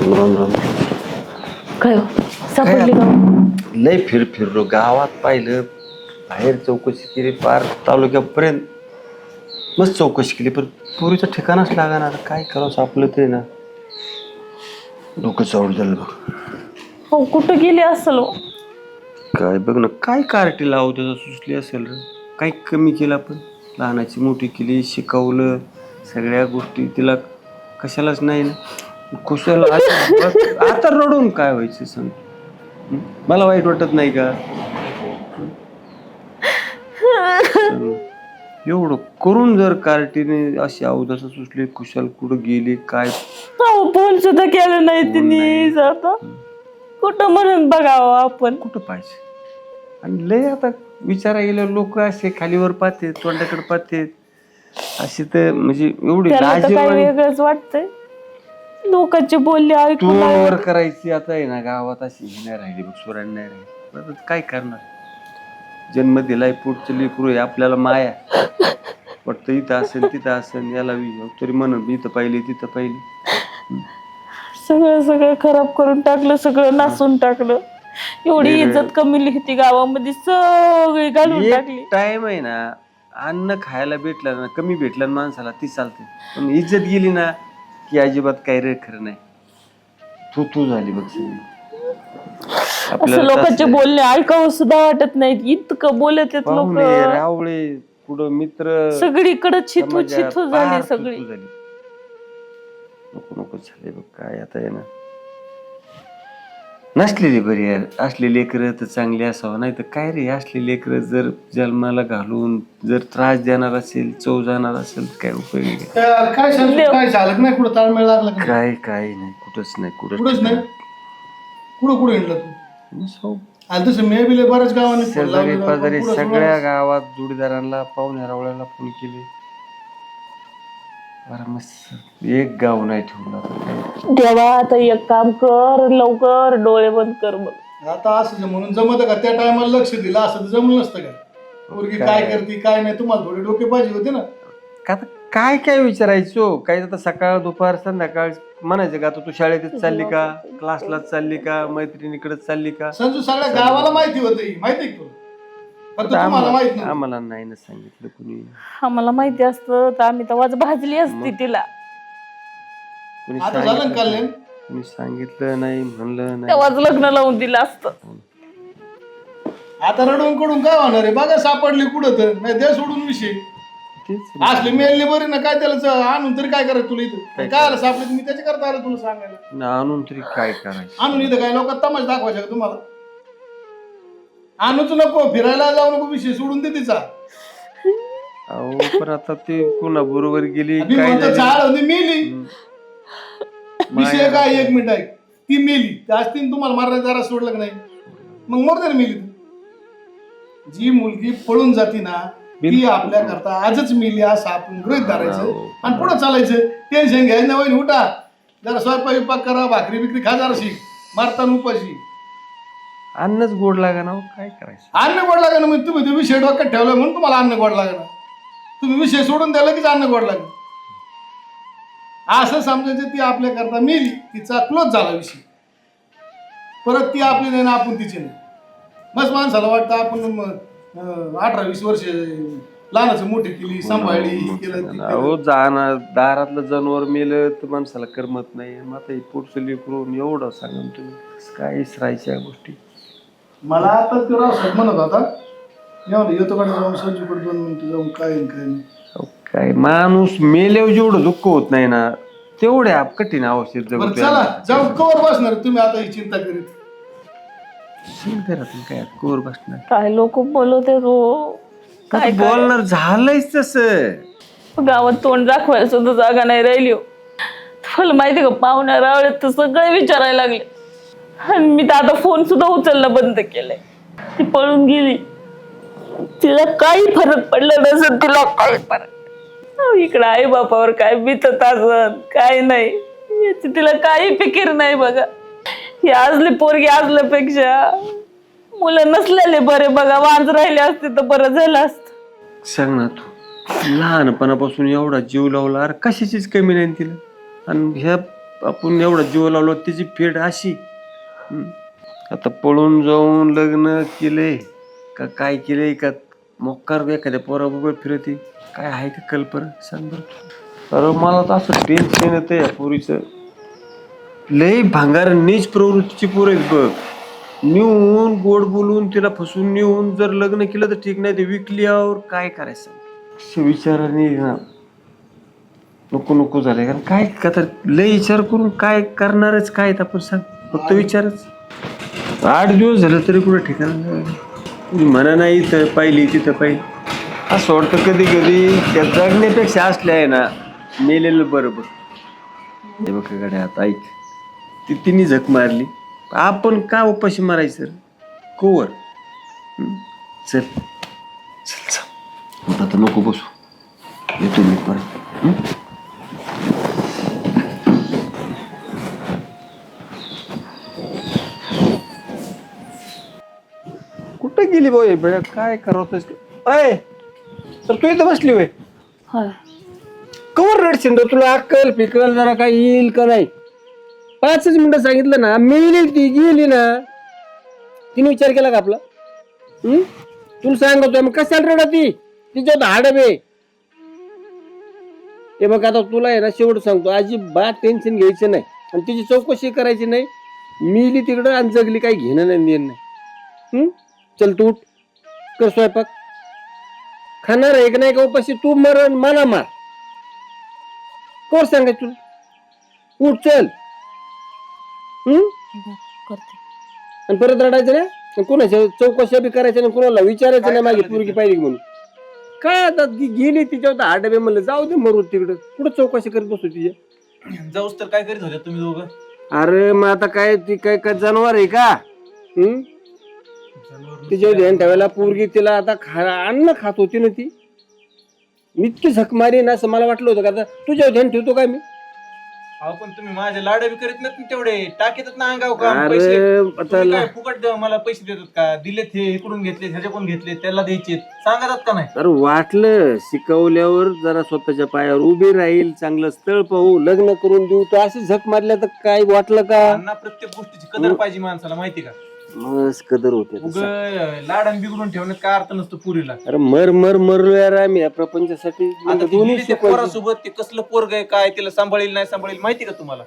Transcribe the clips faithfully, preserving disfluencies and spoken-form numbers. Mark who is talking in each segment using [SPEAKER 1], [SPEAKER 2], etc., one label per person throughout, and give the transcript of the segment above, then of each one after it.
[SPEAKER 1] राम राम.
[SPEAKER 2] काय हो? सापडली का?
[SPEAKER 1] लय फिर फिरलो गावात पाहिलं, बाहेर चौकशी केली, पार तालुक्यापर्यंत मस्त चौकशी केली, पण पुरीचं ठिकाणच लागणार. काय करावं सापलं ते ना, डोकं चौड झालं बघ.
[SPEAKER 2] हो, कुठं गेली असेल हो?
[SPEAKER 1] काय बघ ना, काय कार्टी लावू त्याचा सुचली असेल रे. काही कमी केला, पण लहानाची मोठी केली, शिकवलं सगळ्या गोष्टी, तिला कशालाच नाही ना कुशाला. आता रडून काय व्हायचं सांग, मला वाईट वाटत नाही का? एवढं करून जर कार्टीने अशी अवदसा सुचली, कुशाल कुठं गेली काय?
[SPEAKER 2] फोन सुद्धा केलं नाही तिने. आता कुठं म्हणून बघावं आपण,
[SPEAKER 1] कुठं पाहिजे. आणि लय आता विचारा गेलं, लोक असे खालीवर पाहते, तोंडाकडे पाहते अशी, तर म्हणजे एवढी लाजीरवाणी
[SPEAKER 2] वेगळंच वाटतंय. लोकांचे बोलले ऐकून
[SPEAKER 1] तोंडवर करायची आता आहे ना. गावात अशी ही नाही राहिली बघ, सुराण नाही राहिली. काय करणार, जन्म दिलाय, पुढचं लेकरू आहे, आपल्याला माया वाटतं इथं असेल तिथं असेल, याला तरी म्हणून इथं पाहिली तिथं पाहिली.
[SPEAKER 2] सगळं सगळं खराब करून टाकलं, सगळं नासून टाकलं. एवढी इज्जत कमी लिहिती गावामध्ये, सगळी घालून टाकली.
[SPEAKER 1] टाइम आहे ना, अन्न खायला भेटलं ना, कमी भेटलं माणसाला ती चालते, पण इज्जत गेली ना की अजिबात काही रे खरं नाही. तू तू झाली बघ सगळी.
[SPEAKER 2] असं लोकांचे बोलणे ऐकावं सुद्धा वाटत नाही, इतकं बोलत आहेत लोक.
[SPEAKER 1] रावळे पुढं मित्र
[SPEAKER 2] सगळीकडे छिथू छिथू झाली सगळी.
[SPEAKER 1] नको नको झाले बघ. काय आता आहे ना, नसलेली बरी यार. असले लेकरं तर चांगली असावं, नाही तर काय रे, असले लेकरं जर जन्माला घालून जर त्रास देणार असेल, चव जाणार असेल, काय उपयोग आहे?
[SPEAKER 3] काय झालं नाही, कुठं ताळमेळ लागला
[SPEAKER 1] काय काय नाही, कुठंच नाही,
[SPEAKER 3] कुठंच नाही. कुठं कुठं हिंडला तू? आलं तसं मे बिले बऱ्याच गावांनी
[SPEAKER 1] शेजारी पाजारी सगळ्या गावात जोडीदारांना, पाहुण्या रावळ्याला फोन केले. बरं मस्त एक गाव नाही ठेवलं.
[SPEAKER 2] देवा, आता एक काम कर, लवकर डोळे बंद कर बघ.
[SPEAKER 3] आता असं म्हणून जमत का? त्या टायमाला लक्ष दिलं असं तर जमलं नसतं का? पोरगी काय करते काय नाही, तुम्हाला थोडे डोके पाहिजे होते ना.
[SPEAKER 1] काय काय विचारायचो? काय आता सकाळ दुपार संध्याकाळ म्हणायचं का? तू शाळेतच चालली का, क्लासलाच चालली का, मैत्रिणीकडे चालली का?
[SPEAKER 3] संजू सगळ्या गावाला माहिती होती, माहिती तुला?
[SPEAKER 1] आम्हाला नाही ना सांगितलं कुणी.
[SPEAKER 2] आम्हाला माहिती असतं तर आम्ही तवाच भाजली असती तिला.
[SPEAKER 1] कुणी सांगितलं नाही, म्हणलं नाही,
[SPEAKER 2] तेव्हाच लग्न लावून दिलं असतं.
[SPEAKER 3] आता रडून कडून काय होणार आहे? बघा सापडली कुठं तर, नाही द्या सोडून विषय. असले मेलने बरे ना, काय त्याला आणून तरी काय करायचं तुला इथं? काय आलं सापडलं, मी त्याच्या करता आलं तुला सांगायला.
[SPEAKER 1] आणून तरी काय करायचं?
[SPEAKER 3] आणून इथं काय लोक तमाशा दाखवायचा का तुम्हाला? आणूच नको, फिरायला जाऊ नको, विषय सोडून दे तिचा.
[SPEAKER 1] अहो पण आता ते पुन्हा बरोबर गेली,
[SPEAKER 3] मेली. विषय काय, एक मिनिट आहे, ती मेली असती तुम्हाला मारण्या जरा सोडलं का नाही, मग मरते ना मेली. जी मुलगी पळून जाती ना, ती आपल्या करता आजच मेली असं आपण गृहीत धरायचं आणि पुढे चालायचं. टेन्शन घ्यायचं नाही. वहिनी उठा, जरा स्वयंपाक विपाक करा, भाकरी बिकरी खा, जराशी मारताना उपाशी.
[SPEAKER 1] अन्नच गोड लागा ना, काय करायचं?
[SPEAKER 3] अन्न गोड लागा ना, मग तुम्ही तो विषय डोक्यात ठेवला म्हणून तुम्हाला अन्न गोड लागा ना. तुम्ही विषय सोडून द्याला कीच अन्न गोड लागेल असं समजायचं. ती आपल्या करता मेली, तिचा क्लोज झाला विषय. परत ती आपली नाही ना, आपण तिची नाही. मस्त माणसाला वाटतं आपण अठरा वीस वर्ष लहानाचं मोठी केली, सांभाळली, केलं.
[SPEAKER 1] जाणार दारातलं जनावर मेलं तर माणसाला करमत नाही. मग आता पुढचं लेकरून एवढं सांगा तुम्ही, काय राहायच्या गोष्टी.
[SPEAKER 3] मला आता तो रावसाहेब म्हणत होता, येतो कडे जाऊन संजूकडे दोन मिनिटं जाऊन काय काय नाही.
[SPEAKER 1] काय माणूस मेल्यावर जेवढं दुःख होत नाही ना, तेवढे कठीण आवश्यक.
[SPEAKER 3] चला जाऊ, कवर बसणार तुम्ही आता ही चिंता करीत?
[SPEAKER 1] काय कवर बसणार?
[SPEAKER 2] काय लोक बोलवते हो,
[SPEAKER 1] काय बोलणार? झालंच तसं.
[SPEAKER 2] गावात तोंड दाखवायला सुद्धा जागा नाही राहिली हो. तुला माहिती का, पाहुण्या रावळ्यात तर सगळे विचारायला लागले. आणि मी तर आता फोन सुद्धा उचलणं बंद केलंय. ती पळून गेली, तिला काही फरक पडला नसेल. तिला काही फरक इकडं आई बापावर काय बितत असन काय नाही, याची तिला काही फिकीर नाही. बघा, ही आजली पोरगी आजल्यापेक्षा मुलं नसलेले बरे. बघा, वांज राहिले असते तर बरं झालं असत.
[SPEAKER 1] सांग ना, तू लहानपणापासून एवढा जीव लावला, अरे कशाचीच कमी नाही तिला. आणि ह्या आपण एवढा जीव लावलो त्याची फेड अशी. हम्म. आता पळून जाऊन लग्न केले का काय केले का मोकार एखाद्या पोराबरोबर फिरते, काय आहे का कल्पना सांग बरं. अरे मला तर असं टेन्शन येतं या पोरीचं. लई भांगार नीच प्रवृत्तीची पोरं आहेत बघ. नेऊन गोड बोलून तिला फसवून नेऊन जर लग्न केलं तर ठीक, नाही ते विकल्यावर काय करायचं असं विचाराने ना नको नको झालंय. कारण काय का तर लय विचार करून काय करणारच काय आपण सांग, फक्त विचारच. आठ दिवस झालं तरी कुठं ठिकाण म्हणा नाही तर पाहिली तिथं पाहिली. असं वाटतं कधी कधी त्या जगण्यापेक्षा असल्या आहे ना मेलेलं बरोबर. हे बघ गड्या आता ऐक, ती तिने झक मारली, आपण का उपाशी मारायचं कोवर. चल चल चल आता नको बसू, येतो मी परत. कुठं गेली बाई बेळा, काय करवतोस अय. तर तू इथं बसली होय,
[SPEAKER 2] होय.
[SPEAKER 1] कवर रडशील रे, तुला अक्कल पिकल जरा काय येईल का नाही. पाचच मिनिटं सांगितलं ना, मेली ती गेली ना. तिने विचार केला का आपला? हम्म तुला सांगतोय मग कशाला रडा ती, तिच्यात हाडबे. हे बघ आता तुला आहे ना शेवट सांगतो, अजिबात टेन्शन घ्यायचं नाही आणि तिची चौकशी करायची नाही. मिली तिकडं आणि जगली काही घेणं नाही देणं नाही. हम्म चल तू उठ, कर स्वयंपाक. खाणार आहे का नाही का उपाशी, तू मरण मला मार, कोण सांगायचं तुला. उठ चल. हम्म
[SPEAKER 2] करते.
[SPEAKER 1] आणि परत रडायचं ना, कोणाच्या चौकशा बी करायच्या नाही, कोणाला विचारायचं नाही माझी पोरगी पाहिली म्हणून. काय आता ती गेली तिच्यावर आडबे म्हणलं जाऊ दे मरू तिकडं, कुठं चौकशी करत बसतो तिच्या.
[SPEAKER 4] जाऊस तर काय करीत होत्या तुम्ही दोघं?
[SPEAKER 1] अरे मग आता काय ती काय काय जनावर आहे का? हम्म तिच्या ध्यान ठेवायला पोरगी तिला आता खा अन्न खात होती ना ती. इतकी झक मारी ना असं मला वाटलं होतं का आता तुझ्या ध्यान ठेवतो काय मी.
[SPEAKER 4] अहो पण तुम्ही माझे लाड बी करीत नाहीत ना तेवढे, टाकीतात ना अंगाव का
[SPEAKER 1] अरे
[SPEAKER 4] पैसे.
[SPEAKER 1] आता
[SPEAKER 4] तुम्ही काय फुकट द्या मला पैसे देतात का? दिलेत हे इकडून घेतले ह्याच्याकडून घेतले त्याला द्यायचे सांगतात का नाही?
[SPEAKER 1] तर वाटलं शिकवल्यावर जरा स्वतःच्या पायावर उभी राहील, चांगलं स्थळ पाहू, लग्न करून देऊ, तर अशी झक मारल्या तर काय वाटलं का?
[SPEAKER 4] त्यांना प्रत्येक गोष्टीची कदर पाहिजे माणसाला, माहिती का?
[SPEAKER 1] मस्त कदर होते.
[SPEAKER 4] उग लाडन बिघडून ठेवण्यात काय अर्थ नसतो पुरीला.
[SPEAKER 1] अरे मर मर मरलो यार आम्ही या प्रपंचासाठी.
[SPEAKER 4] आता ती
[SPEAKER 1] दोन्ही
[SPEAKER 4] गेली त्या पोरासोबत ते कसलं पोरग आहे काय, तिला सांभाळील नाही सांभाळील माहिती का तुम्हाला?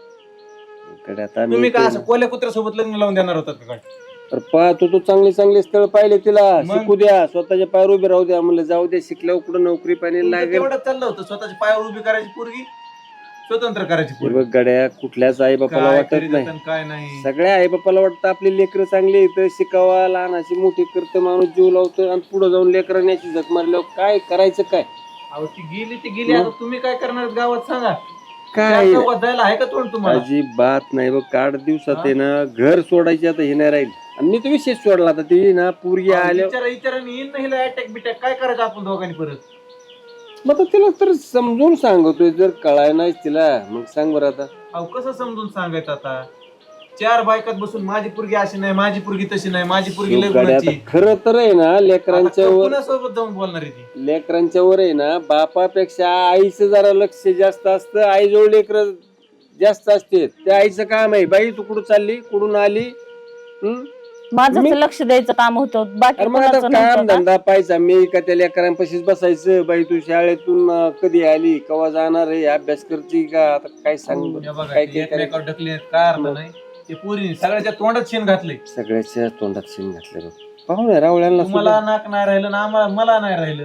[SPEAKER 4] तुम्ही काय असं कोल्या कुत्र्यासोबत लग्न लावून देणार होतात का काय?
[SPEAKER 1] तर पाहतो तो चांगले चांगले स्थळ पाहिले, तिला
[SPEAKER 4] मग?
[SPEAKER 1] शिकू द्या, स्वतःच्या पायावर उभे राहू द्या. म्हणलं जाऊ द्या, शिकल्यावर कुठं नोकरी पाणी
[SPEAKER 4] तुमचं
[SPEAKER 1] लागेल.
[SPEAKER 4] तेवढं चाललं होतं स्वतःच्या पायावर उभी करायची पोरगी, स्वतंत्र करायची
[SPEAKER 1] हे
[SPEAKER 4] पोरगी.
[SPEAKER 1] बघ गड्या, कुठल्याच आई बापाला
[SPEAKER 4] काय
[SPEAKER 1] वाटत
[SPEAKER 4] करीत
[SPEAKER 1] नाही.
[SPEAKER 4] आणि काय नाही.
[SPEAKER 1] सगळ्या आई बापाला वाटतं आपली लेकरं चांगली इथं शिकावा, लहानाची मोठी करतं, माणूस जीव लावतं आणि पुढे जाऊन लेकरांनी याची झक मारल्यावर काय करायचं काय?
[SPEAKER 4] अहो ती गेली ती गेली, आता तुम्ही काय करणार गावात सांगा?
[SPEAKER 1] काय
[SPEAKER 4] त्या चौकात जायला आहे का तोंड तुम्हाला?
[SPEAKER 1] अजिबात नाही बघ. आठ दिवसात आहे ना घर सोडायची आता हे नाही राहील. आणि मी तर विशेष सोडला आता ती ना पोरगी आल्या.
[SPEAKER 4] विचारा विचाराने येईन नाही अटॅक बिटॅक काय करायचं आपण दोघांनी परत?
[SPEAKER 1] मग आता तिला तर समजून सांगतोय, जर कळाय नाही तिला मग सांग बरं आता.
[SPEAKER 4] अहो कसं समजून सांगायचं आता? चार बायकात बसून माझी पोरगी अशी नाही, माझी पोरगी तशी नाही, माझी पोरगी लय गुणाची.
[SPEAKER 1] खरं तर आहे ना लेकरांच्या वर,
[SPEAKER 4] कोणासोबत जाऊन बोलणार आहे ती?
[SPEAKER 1] लेकरांच्या वर आहे ना बापापेक्षा आईचं जरा लक्ष जास्त असतं. आईजवळ लेकर जास्त असते. त्या आईचं काम आहे, बाई तू कुठं चालली, कुठून आली. हम्म
[SPEAKER 2] माझं तर लक्ष द्यायचं काम होतं, बाकी
[SPEAKER 1] अरे मग आता
[SPEAKER 2] कोणाचं
[SPEAKER 1] काम
[SPEAKER 2] नव्हतं का?
[SPEAKER 1] धंदा पाहायचा मी का त्या लेकरांपाशीच बसायचं. बाई तू शाळेतून अं, कधी आली, केव्हा जाणार आहे, अभ्यास करते का, आता काय सांग बरं.
[SPEAKER 4] हे बघा,
[SPEAKER 1] काय
[SPEAKER 4] ते
[SPEAKER 1] काय करायचं?
[SPEAKER 4] एकमेकावर ढकले काय अर्थ नाही. ते पोरीने सगळ्याच्या तोंडात शेण घातलंय.
[SPEAKER 1] सगळ्याच्या तोंडात शेण घातलं बघ. पाहुणे रावळ्यांना
[SPEAKER 4] तुम्हाला नाक नाही राहिलं ना आम्हाला मला नाही राहिलं.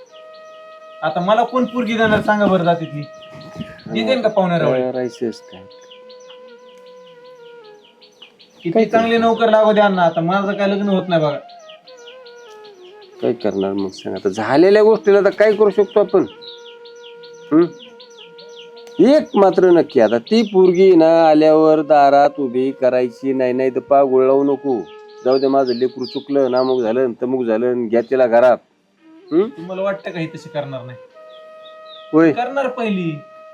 [SPEAKER 4] आता मला कोण पोरगी देणार सांगा बरं जाते ती देते का पाहुण्या रावळे?
[SPEAKER 1] राहायचंच काय.
[SPEAKER 4] किती चांगले नोकर लागू द्या ना, आता माझं काय लग्न होत नाही बघा.
[SPEAKER 1] काय करणार मग सांग आता. झालेल्या गोष्टीला तर काय करू शकतो आपण. हम्म एक मात्र नक्की, आता ती पोरगी ना आल्यावर दारात उभी करायची नाही. नाही तर पा गुळवू नको. जाऊ दे माझं लेकरू चुकलं, नामुक झालं तमुक झालं, घ्या तिला घरात. हम्म
[SPEAKER 4] तुम्हाला वाटतं का ही तशी करणार नाही?
[SPEAKER 1] होय
[SPEAKER 4] करणार पहिली.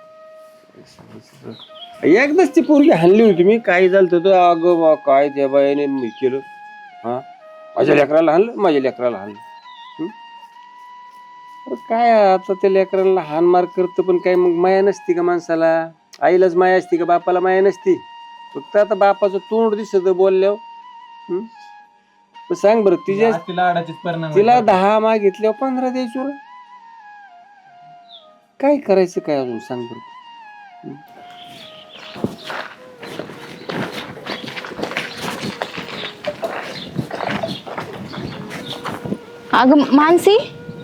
[SPEAKER 1] एकदाच ती पोरगी हाणली होती मी, काय झालं तर अगं बा काय त्या बायाने मी केलं. हा माझ्या लेकराला हाणलं, माझ्या लेकराला हाणलं. हम्म? अरे काय आता त्या लेकराला हान मार करतं, पण काय मग माया नसती का माणसाला. आईलाच माया असती का बापाला माया नसती? फक्त आता बापाचं तोंड दिसत बोलल्यावर. हम्म? मग सांग बरं तिच्या
[SPEAKER 4] आज तिला अडाचीच परिणाम
[SPEAKER 1] तिला
[SPEAKER 4] होतात.
[SPEAKER 1] दहा मागितल्यावर पंधरा द्यायचो रे. काय करायचं काय अजून सांग बरं.
[SPEAKER 5] अगं मानसी,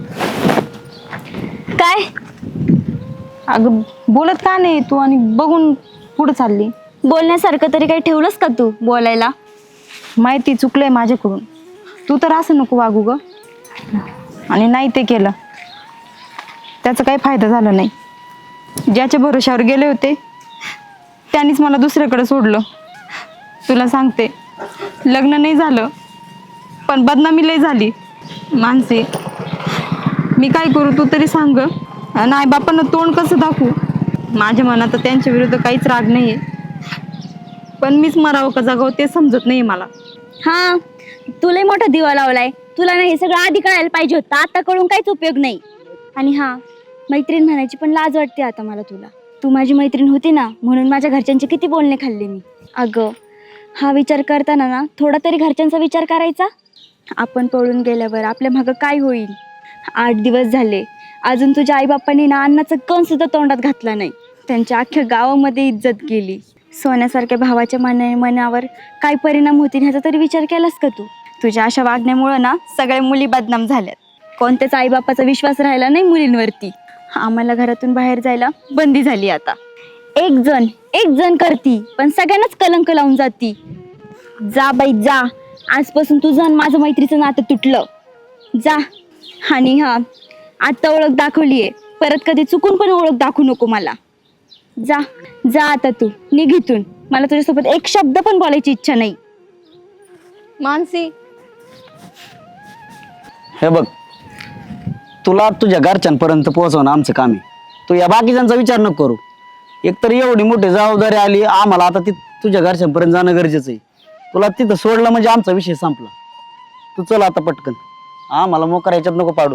[SPEAKER 5] काय? अगं बोलत का नाही तू आणि बघून पुढे चालली? बोलण्यासारखं तरी काही ठेवलंस का तू बोलायला? माहिती चुकलंय माझ्याकडून, तू तर असं नको वागू ग. आणि नाही ते केलं त्याचा काही फायदा झाला नाही. ज्याच्या भरोशावर गेले होते त्यांनीच मला दुसऱ्याकडे सोडलं. तुला सांगते, लग्न नाही झालं पण बदनामी लय झाली. मानसी, मी काय करू तू तरी सांग. नाही बापांना तोंड कसं दाखवू? माझ्या मनात त्यांच्या विरुद्ध काहीच राग नाहीये, पण मीच मरावं का जगावं ते समजत नाही मला.
[SPEAKER 6] हा, तुलाही मोठा दिवा लावलाय. तुला नाही हे सगळं आधी कळायला पाहिजे होतं, आता कळून काहीच उपयोग नाही. आणि हा, मैत्रीण म्हणायची पण लाज वाटते आता मला तुला. तू माझी मैत्रीण होती ना, म्हणून माझ्या घरच्यांचे किती बोलणे खाल्ले मी. अगं, हा विचार करताना ना थोडा तरी घरच्यांचा विचार करायचा. आपण पळून गेल्यावर आपल्या मागं काय होईल? आठ दिवस झाले अजून तुझ्या आईबापांनी ना अन्नाचं कण सुद्धा तोंडात घातला नाही. त्यांच्या अख्ख्या गावामध्ये इज्जत गेली. सोन्यासारख्या भावाच्या मना मनावर काय परिणाम होतील ह्याचा तरी विचार केलास का तू? तुझ्या अशा वागण्यामुळं ना सगळ्या मुली बदनाम झाल्यात. कोणत्याच आईबापाचा विश्वास राहिला नाही मुलींवरती. आम्हाला घरातून बाहेर जायला बंदी झाली आता. एक जण एक जण करती पण सगळ्यांनाच कलंक लावून जाती. जा बाई जा, आजपासून तुझं आणि माझं मैत्रीचं नातं तुटलं. जा. आणि हा, आता ओळख दाखवलीये, परत कधी चुकून पण ओळख दाखवू नको मला. जा जा आता तू निघ इथून. मला तुझ्यासोबत एक शब्द पण बोलायची इच्छा नाही.
[SPEAKER 5] मानसी,
[SPEAKER 7] हे बघ, तुला तुझ्या घरच्यांपर्यंत पोहोचवणं आमचं काम आहे. तू या बाकीच्यांचा विचार नको करू. एकतर एवढी मोठी जबाबदारी आली आम्हाला, आता ती तुझ्या घरच्यांपर्यंत जाणं गरजेचं आहे. तुला तिथं सोडलं म्हणजे आमचा विषय संपला. तू चल आता पटकन, आम्हाला मोकार याच्यात नको पाडू.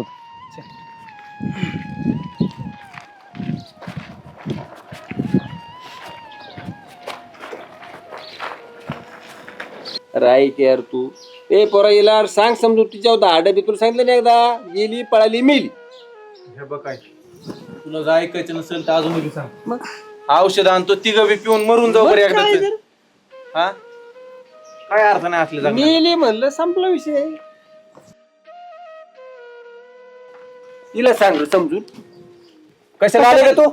[SPEAKER 1] राईट यार तू. ए पोरा येला सांग समजून तिच्या दाड बी तुला सांगितलं नाही एकदा, गेली पळाली मेली.
[SPEAKER 4] हे बघ काय, तुला जर ऐकायचं नसेल तर अजून बी सांग. औषध आणतो तिघ बी पिऊन मरून जाऊ बरं एकदा. हा, काय अर्थ नाही असले जगण्यात.
[SPEAKER 1] मेली म्हणलं संपला विषय. तिला सांग रे समजून.
[SPEAKER 4] कशाला आले का तू?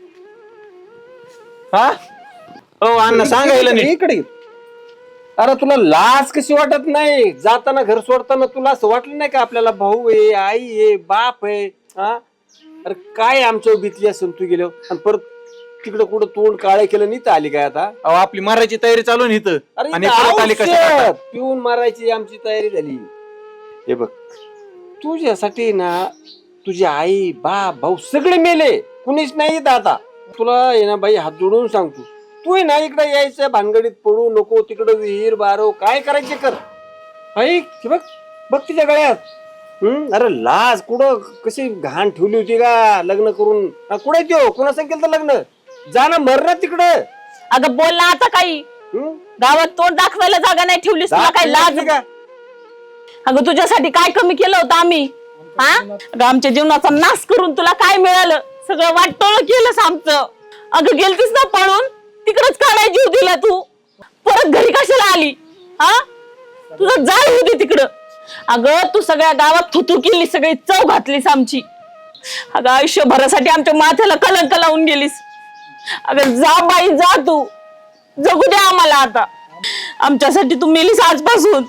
[SPEAKER 4] हा, हो अण्णा सांगायला नाही.
[SPEAKER 1] इकडे ये. अरे तुला लाज कशी वाटत नाही? जाताना घर सोडताना तुला असं वाटलं नाही का आपल्याला भाऊ आहे, आई आहे, बाप आहे? हा, अरे काय आमच्या भीतली असेल तू गेलो आणि परत तिकडं कुठं तोंड काळे केलं नाही तर आली काय आता?
[SPEAKER 4] अहो आपली मारायची तयारी चालू आहे इथं.
[SPEAKER 1] अरे
[SPEAKER 4] आणि
[SPEAKER 1] इथं
[SPEAKER 4] परत आली कशाला?
[SPEAKER 1] औषध पिऊन मारायची आमची तयारी झाली. हे बघ, तुझ्यासाठी ना तुझी आई बाप भाऊ सगळे मेले, कुणीच नाही इथं आता. तुला आहे ना बाई हात जोडून सांगतो, तू आहे ना इकडे यायचं भानगडीत पडू नको. तिकडं विहीर बारो काय करायचे कर. ऐक हे बघ, बघ तिच्या गळ्यात. हम्म, अरे लाज कुठं कशी घाण ठेवली होती का लग्न करून? कुठे त्यो कुणा सांग केलं लग्न? जा ना मर ना तिकडं.
[SPEAKER 2] अगं बोल ना आता काही.
[SPEAKER 1] हम्म?
[SPEAKER 2] गावात तोंड दाखवायला जागा नाही ठेवलीस, तुला काय लाज?
[SPEAKER 1] का?
[SPEAKER 2] अगं तुझ्यासाठी काय कमी केलं होतं आम्ही? हा, अगं आमच्या जीवनाचा नाश करून तुला काय मिळालं? सगळं वाटोळं केलंस आमचं. अगं गेलतीस ना पळून, तिकडच काढाय जीव दिला तू. परत घरी कशाला आली? हा, तुझं जाळ होती तिकडं. अगं तू सगळ्या गावात थुतू केली, सगळी चव घातलीस आमची. अगं आयुष्यभरासाठी आमच्या माथ्याला कलंक लावून गेलीस. अगं जा बाई जा, तू जगू दे आम्हाला आता. आमच्यासाठी तू मेलीस आजपासून.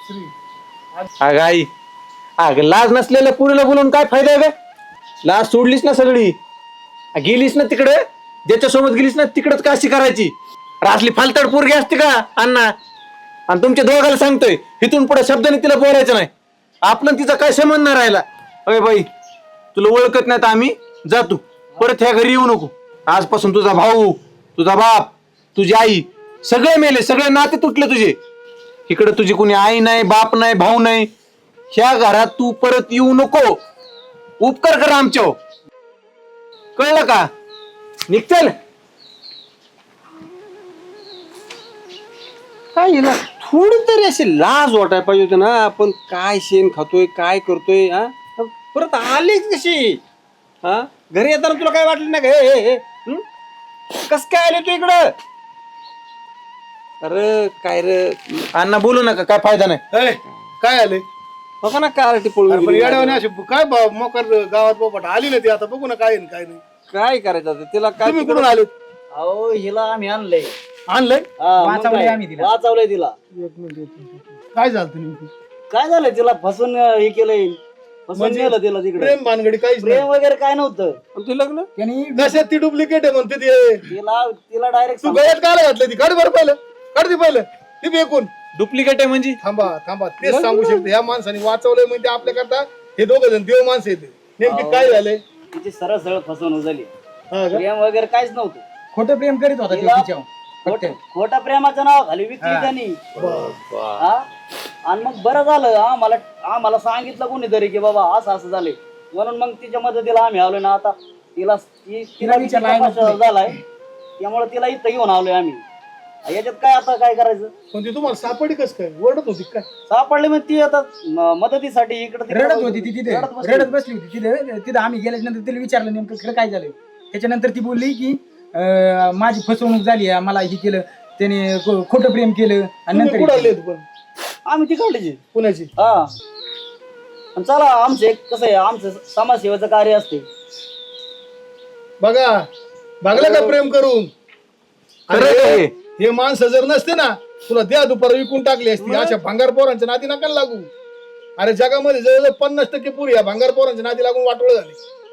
[SPEAKER 4] अगं आई, अगं लाज नसलेल्या पुरीला बोलून काय फायदा आहे? लाज सोडलीस ना सगळी, गेलीस ना तिकडे, ज्याच्यासोबत गेलीस ना तिकडच काशी करायची. असली फालतड पोरगी असते का अण्णा? आणि तुमच्या दोघाला सांगतोय, इथून पुढे शब्दाने तिला बोलायचं नाही. आपण तिचा काय संबंध नाही राहिला. अरे बाई, तुला ओळखत नाही तर आम्ही जातो, परत ह्या घरी येऊ नको. आजपासून तुझा भाऊ, तुझा बाप, तुझी आई सगळे मेले, सगळे नाते तुटले तुझे. इकडे तुझी कोणी आई नाही, बाप नाही, भाऊ नाही. ह्या घरात तू परत येऊ नको. उपकार करा आमच्या, कळलं का? निघचल.
[SPEAKER 1] काय हिला थोडी तरी अशी लाज वाटायला पाहिजे होती ना. आपण काय शेण खातोय काय करतोय हा परत आलीच कशी हा घरी येताना तुला काय वाटलं ना का हे हे हं? कस काय आले तू इकडं. अरे काय रे
[SPEAKER 4] अण्णा बोलू नका काय फायदा नाही.
[SPEAKER 3] ए, काय आले
[SPEAKER 1] बघा ना कार ती पळून
[SPEAKER 3] अरे पण
[SPEAKER 1] गेली.
[SPEAKER 3] येड्यावानी अशी काय भाव मोकर गावात बोपट आली ना ती आता बघू ना काय आहे न काय नाही.
[SPEAKER 1] काय करायचं आता तिला काय
[SPEAKER 3] तुम्ही कुठून आले
[SPEAKER 7] अहो हिला आम्ही आणलंय
[SPEAKER 3] आणलंय
[SPEAKER 7] वाचवलंय आम्ही तिला वाचवलंय तिला.
[SPEAKER 3] काय झालं तुम्ही
[SPEAKER 7] काय झालं तिला फसून अं, हे केलंय फसून
[SPEAKER 3] म्हणजे
[SPEAKER 7] नेलं तिला तिकडे.
[SPEAKER 3] प्रेम भानगडी काहीच
[SPEAKER 7] प्रेम
[SPEAKER 3] नाही.
[SPEAKER 7] वगैरे काय नव्हतं.
[SPEAKER 1] पण ते लग्न
[SPEAKER 7] त्यांनी
[SPEAKER 3] कशात ती डुप्लिकेट आहे म्हणते ते.
[SPEAKER 7] तिला तिला डायरेक्ट
[SPEAKER 3] तू गळ्यात काय घातलं ती काढ बरं पहिलं काढ ती पहिलं ती बेकून
[SPEAKER 4] डुप्लिकेट आहे म्हणजे
[SPEAKER 3] थांबा थांबा तेच सांगू शकते ह्या माणसाने वाचवलंय म्हणजे आपल्या करता हे दोघं जण देव माणसं येते नेमकी काय झालंय
[SPEAKER 7] तिची सरळ सरळ फसवणूक झाली.
[SPEAKER 3] हा का?
[SPEAKER 7] प्रेम वगैरे काहीच नव्हतं.
[SPEAKER 8] खोटं प्रेम करीत होता
[SPEAKER 7] तिला
[SPEAKER 8] तो तिच्यावर
[SPEAKER 7] खोट- खोटा प्रेमाचं नाव खाली विकली त्यांनी. हा? आणि मग बरं झालं आम्हाला आम्हाला सांगितलं कोणीतरी की बाबा असं असं झालंय म्हणून मग तिच्या मदतीला आम्ही आलोय ना. आता तिला ती- तिला
[SPEAKER 8] विचारलं
[SPEAKER 7] विचार
[SPEAKER 8] आहे ना
[SPEAKER 7] झालाय त्यामुळे तिला इथं घेऊन आलोय आम्ही. याच्यात काय आता काय करायचं.
[SPEAKER 3] पण ती तुम्हाला सापडी कस काय ओरडत होती काय
[SPEAKER 7] सापडले मग ती आता म- मदतीसाठी इकडे
[SPEAKER 8] रडत होती ती तिथे रडत बसली होती तिथे तिथे आम्ही गेल्याच्या नंतर तिला विचारलं नेमकं खरं काय झालं. त्याच्यानंतर ती बोलली की अं, माझी फसवणूक झाली आहे, मला हे केलं त्याने खो- खोटं प्रेम केलं आणि
[SPEAKER 3] तुम्ही कुठं आले
[SPEAKER 8] नंतर
[SPEAKER 3] पण
[SPEAKER 7] आम्ही तिकडची
[SPEAKER 3] पुण्याची
[SPEAKER 7] हा. आणि चला आमचं एक कसं आहे आमचं समाजसेवेचं कार्य असते.
[SPEAKER 3] बघा बघलं का प्रेम करून
[SPEAKER 4] खरं
[SPEAKER 3] अरे,
[SPEAKER 4] आहे.
[SPEAKER 3] हे माणसं जर नसते ना तुला द्या दुपार विकून टाकली असती. अशा भांगार पोरांच्या नादी नका लागू. अरे जगामध्ये जवळजवळ पन्नास टक्के पुरी या भांगार पोरांच्या नादी लागून वाटोळ झाले.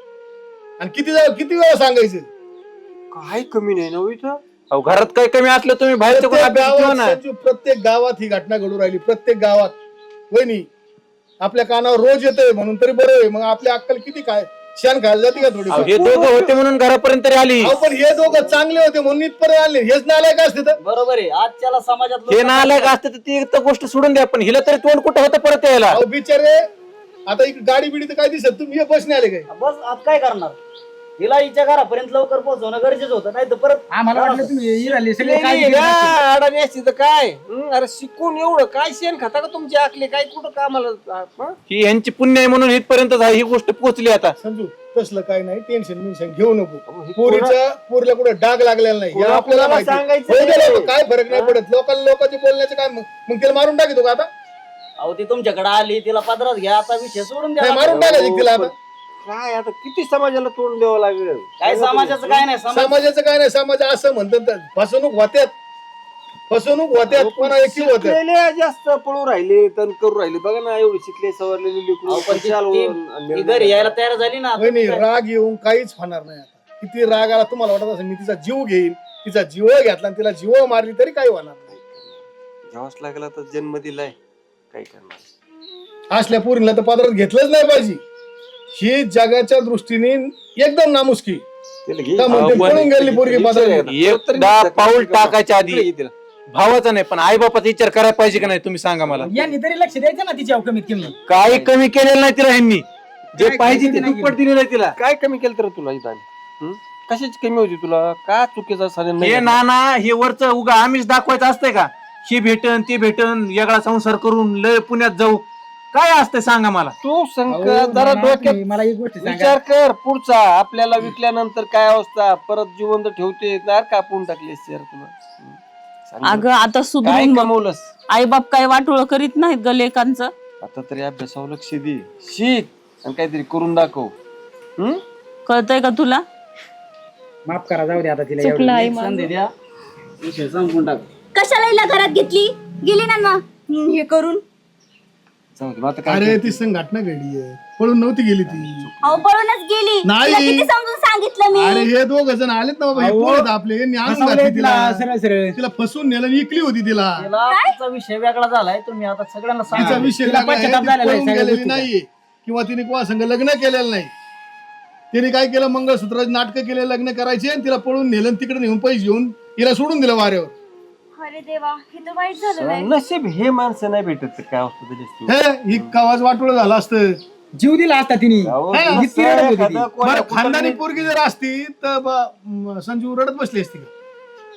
[SPEAKER 3] आणि किती जाऊ किती वेळा सांगायचं
[SPEAKER 1] काय कमी नाही ना हो इथं.
[SPEAKER 4] अहो घरात काय कमी असलं तुम्ही बाहेरच्या कोणी
[SPEAKER 3] प्रत्येक
[SPEAKER 4] अभ्यास ठेवा
[SPEAKER 3] गावात
[SPEAKER 4] ना.
[SPEAKER 3] संजू, प्रत्येक गावात ही घटना घडू राहिली. प्रत्येक गावात वहिनी आपल्या कानावर रोज येतोय म्हणून तरी बरं आहे. मग आपली अक्कल किती काय शान खायला जाते का थोडी.
[SPEAKER 4] अहो, हे दोघं होते म्हणून घरापर्यंत तरी आली.
[SPEAKER 3] अहो, पण हे दोघं चांगले होते म्हणून इथपर्यंत आले. हेच नालायक असते तर
[SPEAKER 7] बरोबर आहे आजच्याला समाजात
[SPEAKER 4] हे नालायक असते तर ती तर गोष्ट सोडून द्या पण हिला तरी तोंड कुठं होतं परत यायला.
[SPEAKER 3] अहो बिचारे आता इकडे गाडी बिडी तर काय दिसत तुम्ही हे बसने आले काय.
[SPEAKER 7] बस आज काय करणार. हिला हिच्या घरापर्यंत लवकर पोहोचवणं गरजेचं होतं नाही तर परत
[SPEAKER 8] आम्हाला वाटलं तुम्ही ही झाली सगळे काय
[SPEAKER 1] नाही, या, अडाणी असती तर काय हं? अरे शिकून एवढं काय शेण खाता का तुमची आखली काय कुठं कामाला हं?
[SPEAKER 4] ही यांची पुण्य आहे म्हणून इथपर्यंत ही गोष्ट पोहोचली आता.
[SPEAKER 3] समजू तसलं काय नाही टेन्शन मिन्शन घेऊ नको.
[SPEAKER 1] हे
[SPEAKER 3] पोरीच्या पोरीला कुठे डाग लागलेला नाही हे
[SPEAKER 1] कोणा-
[SPEAKER 3] आपल्याला
[SPEAKER 1] कोणाला
[SPEAKER 3] माहिती.
[SPEAKER 1] सांगायचं
[SPEAKER 3] होऊ दे
[SPEAKER 1] नाही.
[SPEAKER 3] लोकं, काय फरक नाही पडत. लोकांना लोकांचे बोलण्याचं काय मग मग तिला मारून टाकतो का आता.
[SPEAKER 7] अहो ती तुमच्याकडे आली तिला पदरात घ्या आता विषय सोडून
[SPEAKER 3] नाही
[SPEAKER 7] द्या.
[SPEAKER 3] मारून टाकायचं तिला आता.
[SPEAKER 1] काय आता किती समाजाला तोंड द्यावं लागेल.
[SPEAKER 7] काय समाजाचं काय नाही समाज
[SPEAKER 3] समाजाचं काय नाही. समाज असं म्हणतात तर फसवणूक होत्यात फसवणूक होत्यात कोणा एकटी होत्यात.
[SPEAKER 1] शिकलेले जास्त पळू राहिले तण करू राहिले बघा ना एवढी शिकले सवरलेली लेकरू.
[SPEAKER 7] अहो, पण ती-
[SPEAKER 1] चालवून
[SPEAKER 7] ती-
[SPEAKER 1] आणि
[SPEAKER 7] ती घरी यायला तयार झाली ना
[SPEAKER 3] होय नाही राग येऊन काहीच होणार नाही. आता किती राग आला तुम्हाला वाटत असेल मी तिचा जीव घेईल तिचा जीव घेतला आणि तिला जीव मारली तरी काही होणार नाही.
[SPEAKER 1] घ्यावाच लागला तर जन्म दिलाय काय करणार.
[SPEAKER 3] असल्या पोरीला तर पदरात घेतलंच नाही पाहिजे. ही जगाच्या दृष्टीने एकदम नामुष्की.
[SPEAKER 1] तिला घे.
[SPEAKER 3] का म्हणते,
[SPEAKER 1] आपण-
[SPEAKER 3] पळून गेली पोरगी बाजारात.
[SPEAKER 4] एकदा पाऊल टाकायच्या आधी भावाचा नाही पण आई बापाचा विचार करायला पाहिजे का नाही तुम्ही सांगा मला.
[SPEAKER 8] यांनी तरी लक्ष द्यायचं ना तिच्यावर कमीत कमी.
[SPEAKER 4] काही कमी केलेलं नाही तिला ह्यांनी जे
[SPEAKER 8] काय
[SPEAKER 4] पाहिजे
[SPEAKER 8] कमी
[SPEAKER 4] ते
[SPEAKER 8] नाही
[SPEAKER 4] दुप्पट दिलेलं आहे तिला.
[SPEAKER 1] काय कमी केलं तर तुला इथं हं? कशाची कमी होती तुला का चुकीचा साधन
[SPEAKER 4] हे नाना हे वरच उगा आम्हीच दाखवायचं असतंय का. ही भेटन ती भेटन वेगळा संसार करून लय पुण्यात जाऊ काय असतंय सांगा मला.
[SPEAKER 1] तू संक
[SPEAKER 8] अहो,
[SPEAKER 1] जरा
[SPEAKER 8] नाना,
[SPEAKER 1] डोक्यात
[SPEAKER 8] तुम्ही मला एक गोष्ट सांगा.
[SPEAKER 1] विचार कर पुढचा आपल्याला विकल्यानंतर काय अवस्था परत जिवंत ठेवते नार कापून टाकले तुला हं? सांग
[SPEAKER 2] अगं आता
[SPEAKER 1] काय
[SPEAKER 2] सुधरून बघ.
[SPEAKER 1] कमवलंस
[SPEAKER 2] आई बाप काय वाटोळ करीत नाहीत ग लेकांचं.
[SPEAKER 1] आता तरी अभ्यासावर लक्ष दे शिक आणि काहीतरी करून दाखव हं?
[SPEAKER 2] कळतंय का तुला.
[SPEAKER 8] माफ करा जाऊ दे आता तिला
[SPEAKER 2] चुकलं
[SPEAKER 8] एवढं.
[SPEAKER 2] आई
[SPEAKER 7] एक संधी द्या विषय संपून टाक.
[SPEAKER 6] कशाला हिला घरात घेतली गेली ना मग हम्म, हे करून
[SPEAKER 1] जाऊ दे, मग आता काय
[SPEAKER 3] अरे ती संघटना घडी आहे पळून नव्हती गेली ती.
[SPEAKER 6] अहो पळूनच गेली.
[SPEAKER 3] नाही.
[SPEAKER 6] तिला किती समजून सांगितलं
[SPEAKER 3] अरे
[SPEAKER 6] मी.
[SPEAKER 3] हे दोघ जण आलेत ना बाबा हे
[SPEAKER 8] अहो,
[SPEAKER 3] पोरं आहेत आपले यांनी आणून
[SPEAKER 8] फसवलंय
[SPEAKER 3] घातली
[SPEAKER 8] तिला
[SPEAKER 3] तिला
[SPEAKER 8] सरळ सरळ.
[SPEAKER 3] तिला फसवून नेलं आणि इकली होती तिला.
[SPEAKER 7] तिला तिचा विषय वेगळा झालाय तुम्ही आता सगळ्यांना
[SPEAKER 3] तिचा
[SPEAKER 7] सांगा.
[SPEAKER 3] विषय
[SPEAKER 8] तिला
[SPEAKER 3] लागला आहे,
[SPEAKER 8] पश्चाताप
[SPEAKER 3] ती
[SPEAKER 8] झालेला आहे
[SPEAKER 3] पळून
[SPEAKER 8] सगळ्या
[SPEAKER 3] गेलेली
[SPEAKER 8] गोष्टीचा.
[SPEAKER 3] नाहीये किंवा तिने कोणा संग लग्न केलेलं नाही. तिने काय केलं मंगळसूत्राचे नाटक केले लग्न करायचे आणि तिला पळून नेलं आणि तिकडे नेऊन पैसे घेऊन तिला सोडून दिलं वाऱ्यावर.
[SPEAKER 6] अरे देवा हे तर वाईट झालं बाई.
[SPEAKER 1] नशीब हे माणसं नाही भेटत तर काय असतं त्याच्यात
[SPEAKER 3] हे ही कवाच वाटोळ झालं असतं.
[SPEAKER 8] जीव दिला असता तिने.
[SPEAKER 1] अहो,
[SPEAKER 3] हे,
[SPEAKER 1] असं
[SPEAKER 8] इतकी रडत होती ती.
[SPEAKER 1] एखादं कोण्या
[SPEAKER 3] बरं खानदानी
[SPEAKER 1] कुठं
[SPEAKER 3] पोरगी जर असती तर ब- म, संजू रडत बसली असती का.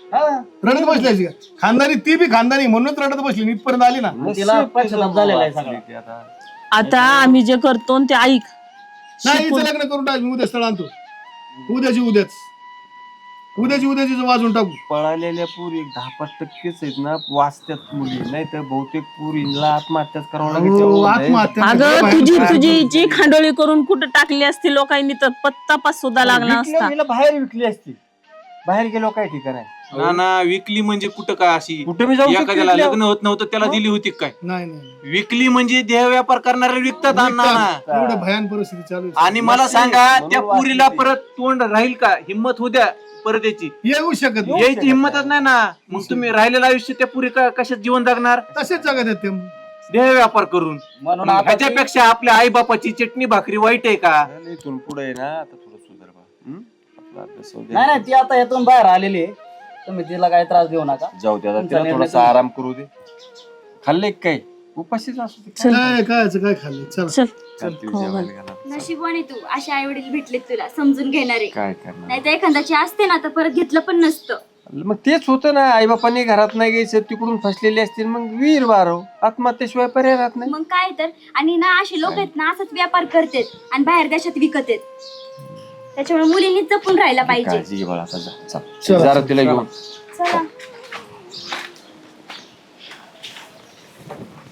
[SPEAKER 3] रडत बसली अशी का? खानदानी ती बी खानदानी म्हणूनच रडत बसली इथपर्यंत आली ना.
[SPEAKER 7] तिला पश्चाताप झालेला आहे सगळा.
[SPEAKER 1] ते आता
[SPEAKER 2] आता आम्ही जे करतो ते ऐक.
[SPEAKER 3] नाही हिचं लग्न करून टाक, मी उद्या स्थळ आणतो. उद्याची उद्याच उद्याची उद्याची वाजून टाकू.
[SPEAKER 1] पळालेल्या पुरी एक दहा पाच टक्केच आहेत ना वाचत्यात मुली, नाही तर बहुतेक पुरीला आत्महत्याच करावं लागेल.
[SPEAKER 3] हो,
[SPEAKER 1] तेवढं आहे.
[SPEAKER 3] आत्महत्या
[SPEAKER 2] अगं तुझी तुझी जी खांडोळी करून कुठं टाकली असती लोकांनी तर पत्ता पास सुद्धा लागला
[SPEAKER 1] विकली-
[SPEAKER 2] असता.
[SPEAKER 1] हिला बाहेर विकली असती, बाहेर गेलो काय ठिकाण आहे.
[SPEAKER 4] ना ना विकली म्हणजे कुठं काय अशी
[SPEAKER 1] कुठे मी जाऊ शकते
[SPEAKER 4] एखाद्याला
[SPEAKER 1] इथल्या-
[SPEAKER 4] लग्न होत नव्हतं त्याला दिली होती काय?
[SPEAKER 3] नाही नाही
[SPEAKER 4] विकली म्हणजे देह व्यापार करणारे विकतात अण्णा ना.
[SPEAKER 3] एवढं भयान परिस्थिती चालू आहे.
[SPEAKER 4] आणि मला सांगा
[SPEAKER 1] म्हणून
[SPEAKER 4] त्या
[SPEAKER 1] वाचली
[SPEAKER 4] पुरीला
[SPEAKER 1] ती.
[SPEAKER 4] परत तोंड राहील का? हिंमत होऊ द्या परत याची.
[SPEAKER 3] येऊ शकत नाही.
[SPEAKER 4] यायची हिंमतच नाही ना. मग तुम्ही राहिलेलं आयुष्य त्या पुरी का कशात जीवन जगणार?
[SPEAKER 3] तसेच जगत आहेत ते.
[SPEAKER 4] देह व्यापार करून.
[SPEAKER 7] म्हणून
[SPEAKER 4] मग
[SPEAKER 7] आता ती-
[SPEAKER 4] ह्याच्यापेक्षा आपल्या आई बापाची चटणी भाकरी वाईट आहे का?
[SPEAKER 1] इथून पुढे ना आता थोडं सुधार बा. हं? आपला अभ्यास होऊ दे.
[SPEAKER 7] नाही नाही ती आता यातून बाहेर आलेली आहे. तुम्ही तिला काही त्रास देऊ नका.
[SPEAKER 1] जाऊ दे आता,
[SPEAKER 7] तुमचा
[SPEAKER 1] तिला
[SPEAKER 7] निर्णय
[SPEAKER 1] थोडासा
[SPEAKER 7] तुम्ही-
[SPEAKER 1] आराम करू दे. खाल्ले काय उपाशीच असू दे.
[SPEAKER 3] काय काय काय खाल्लं चल.
[SPEAKER 2] चल
[SPEAKER 1] खालती जेवायला घाला.
[SPEAKER 6] नशिबाने तू असे आई वडील भेटलेत तुला समजून घेणारे.
[SPEAKER 1] काय करणार
[SPEAKER 6] नाही तर एखाद्याची असते ना तर परत घेतलं पण नसतं.
[SPEAKER 1] मग तेच होतं ना, आई बापांनी घरात नाही घ्यायचं, तिकडून फसलेले असतील मग वीर बारव आत्महत्येशिवाय पर्याय राहत नाही.
[SPEAKER 6] मग काय तर. आणि ना असे लोक आहेत ना असंच व्यापार करतात आणि बाहेर देशात विकत आहेत. त्याच्यामुळे मुलींनी जपून राहायला पाहिजे.
[SPEAKER 1] काळजी घे बाळा आता जा. चल. जरा तिला घेऊन
[SPEAKER 6] चला